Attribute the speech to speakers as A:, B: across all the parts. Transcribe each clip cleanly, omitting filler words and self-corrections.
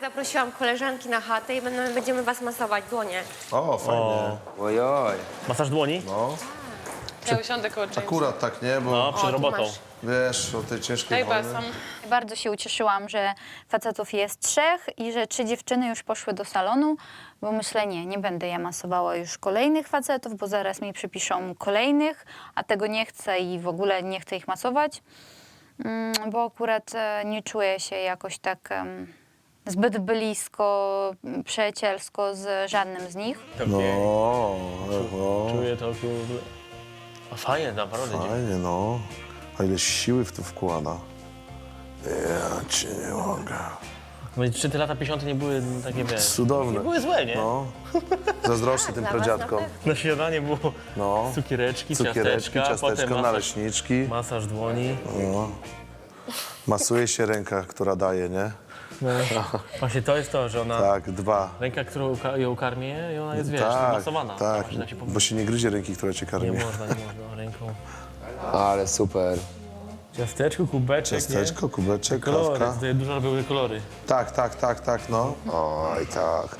A: Zaprosiłam koleżanki na chatę i będziemy was masować dłonie.
B: O, fajnie.
C: Ojoj.
D: Masaż dłoni?
B: No,
E: Ja usiądę koło Jamesa.
B: akurat tak, nie? Bo
D: No, przed
A: tu
D: robotą.
A: masz.
B: wiesz, o tej ciężkiej
E: Daj
B: wojnie.
E: basam.
F: Bardzo się ucieszyłam, że facetów jest 3 i że 3 dziewczyny już poszły do salonu, bo myślę, nie będę ja masowała już kolejnych facetów, bo zaraz mi przypiszą kolejnych, a tego nie chcę i w ogóle nie chcę ich masować, bo akurat nie czuję się jakoś tak zbyt blisko, przyjacielsko z żadnym z nich.
B: No,
D: Czuję to. O, fajnie, naprawdę.
B: fajnie, no. A ile siły w to wkłada. Ja cię nie mogę.
D: No i 3 lata 50. nie były takie, wiesz,
B: Cudowne.
D: nie były złe, nie?
B: No. Zazdroszczę tym
A: dla was
B: pradziadkom.
A: na
D: Na śniadanie było
B: No.
D: cukiereczki,
B: Cukiereczki,
D: potem
B: ciasteczko,
D: masaż,
B: naleśniczki.
D: masaż dłoni.
B: No. Masuje się ręka, która daje, nie?
D: No. Właśnie to jest to, że ona...
B: Tak, 2.
D: Ręka, którą ją karmię, i ona jest, wiesz,
B: Tak,
D: masowana.
B: tak,
D: Że tak się
B: bo się nie gryzie ręki, która cię
D: Nie
B: karmi.
D: można ręką.
C: Ale super.
D: Ciasteczko, kubeczek,
B: Ciasteczko, kubeczek,
D: nie? Kolory,
B: kawka.
D: tutaj dużo były kolory.
B: Tak, no.
C: Oj, tak.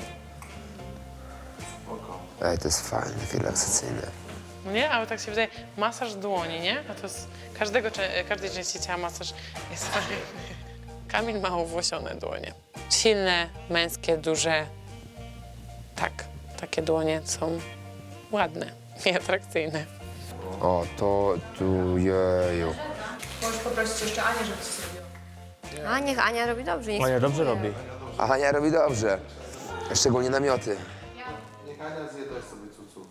C: Ej, to jest fajne, relaksacyjne.
E: No nie, ale tak się wydaje, masaż dłoni, nie? A to jest każdej części ciała masaż jest fajny. Kamil ma owłosione dłonie. Silne, męskie, duże. Tak, takie dłonie są ładne i atrakcyjne.
C: O, to tu, jeju.
A: A niech Ania robi dobrze. Niech
D: Ania dobrze robi.
C: A Hania robi dobrze. Szczególnie namioty.
B: Niech Ania zje też sobie cucu.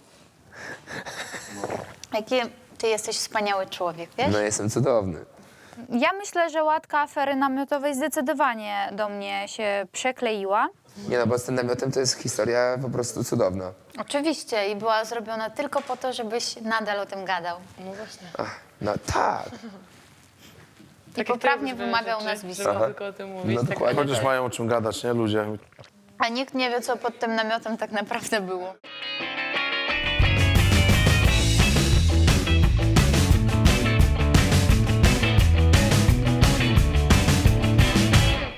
F: Jaki ty jesteś wspaniały człowiek, wiesz?
C: No jestem cudowny.
F: Ja myślę, że łatka afery namiotowej zdecydowanie do mnie się przekleiła.
C: Nie no, bo z tym namiotem to jest historia po prostu cudowna.
F: Oczywiście i była zrobiona tylko po to, żebyś nadal o tym gadał.
E: No właśnie.
C: Ach, no tak.
F: I poprawnie wymagał nazwisko.
E: Żeby tylko o tym mówić.
C: No
E: tak
C: dokładnie.
B: Chociaż mają o czym gadać, nie, ludzie?
F: A nikt nie wie, co pod tym namiotem tak naprawdę było.